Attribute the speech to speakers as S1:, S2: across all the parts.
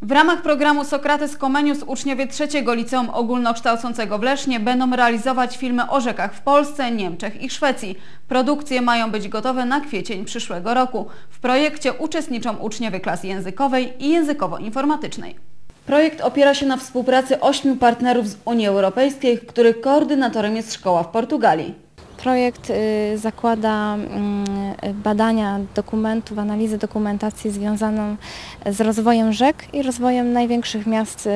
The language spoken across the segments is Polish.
S1: W ramach programu Sokrates Comenius uczniowie trzeciego Liceum Ogólnokształcącego w Lesznie będą realizować filmy o rzekach w Polsce, Niemczech i Szwecji. Produkcje mają być gotowe na kwiecień przyszłego roku. W projekcie uczestniczą uczniowie klas językowej i językowo-informatycznej. Projekt opiera się na współpracy 8 partnerów z Unii Europejskiej, których koordynatorem jest szkoła w Portugalii.
S2: Projekt zakłada badania dokumentów, analizę dokumentacji związaną z rozwojem rzek i rozwojem największych miast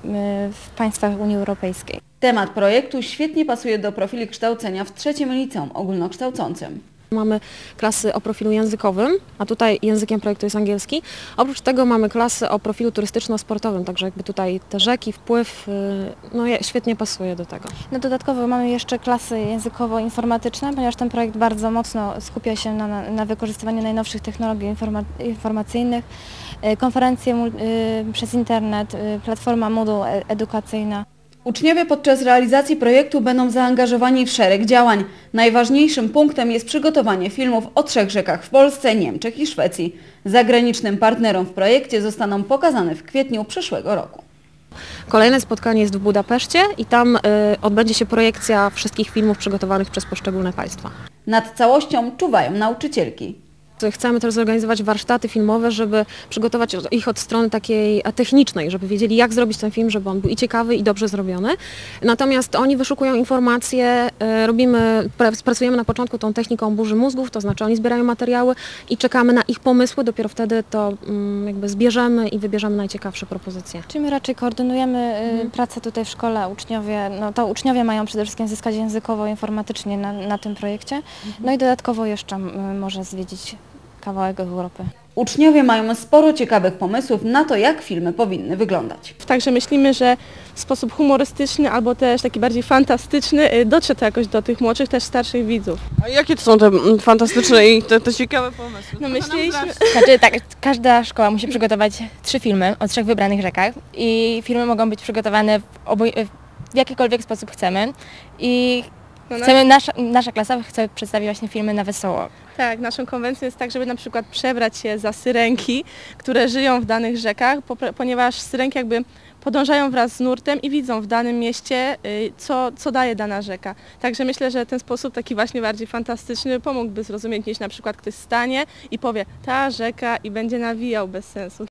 S2: w państwach Unii Europejskiej.
S1: Temat projektu świetnie pasuje do profili kształcenia w trzecim liceum ogólnokształcącym.
S3: Mamy klasy o profilu językowym, a tutaj językiem projektu jest angielski. Oprócz tego mamy klasy o profilu turystyczno-sportowym, także jakby tutaj te rzeki, wpływ, świetnie pasuje do tego.
S2: No dodatkowo mamy jeszcze klasy językowo-informatyczne, ponieważ ten projekt bardzo mocno skupia się na wykorzystywaniu najnowszych technologii informacyjnych, konferencje przez internet, platforma Moodle edukacyjna.
S1: Uczniowie podczas realizacji projektu będą zaangażowani w szereg działań. Najważniejszym punktem jest przygotowanie filmów o 3 rzekach w Polsce, Niemczech i Szwecji. Zagranicznym partnerom w projekcie zostaną pokazane w kwietniu przyszłego roku.
S3: Kolejne spotkanie jest w Budapeszcie i tam odbędzie się projekcja wszystkich filmów przygotowanych przez poszczególne państwa.
S1: Nad całością czuwają nauczycielki.
S3: Chcemy też zorganizować warsztaty filmowe, żeby przygotować ich od strony takiej technicznej, żeby wiedzieli, jak zrobić ten film, żeby on był i ciekawy, i dobrze zrobiony. Natomiast oni wyszukują informacje, pracujemy na początku tą techniką burzy mózgów, to znaczy oni zbierają materiały i czekamy na ich pomysły, dopiero wtedy to jakby zbierzemy i wybierzemy najciekawsze propozycje.
S2: Czyli my raczej koordynujemy pracę tutaj w szkole, uczniowie mają przede wszystkim zyskać językowo-informatycznie na tym projekcie, no i dodatkowo jeszcze może zwiedzić kawałek Europy.
S1: Uczniowie mają sporo ciekawych pomysłów na to, jak filmy powinny wyglądać.
S4: Także myślimy, że w sposób humorystyczny albo też taki bardziej fantastyczny dotrze to jakoś do tych młodszych, też starszych widzów.
S5: A jakie to są te fantastyczne i te ciekawe pomysły?
S4: No myśleliśmy...
S6: Znaczy tak, każda szkoła musi przygotować 3 filmy o 3 wybranych rzekach i filmy mogą być przygotowane w jakikolwiek sposób chcemy i nasza klasa chce przedstawić właśnie filmy na wesoło.
S4: Tak, naszą konwencją jest tak, żeby na przykład przebrać się za syrenki, które żyją w danych rzekach, ponieważ syrenki jakby podążają wraz z nurtem i widzą w danym mieście, co daje dana rzeka. Także myślę, że ten sposób taki właśnie bardziej fantastyczny pomógłby zrozumieć, niż na przykład ktoś stanie i powie ta rzeka i będzie nawijał bez sensu.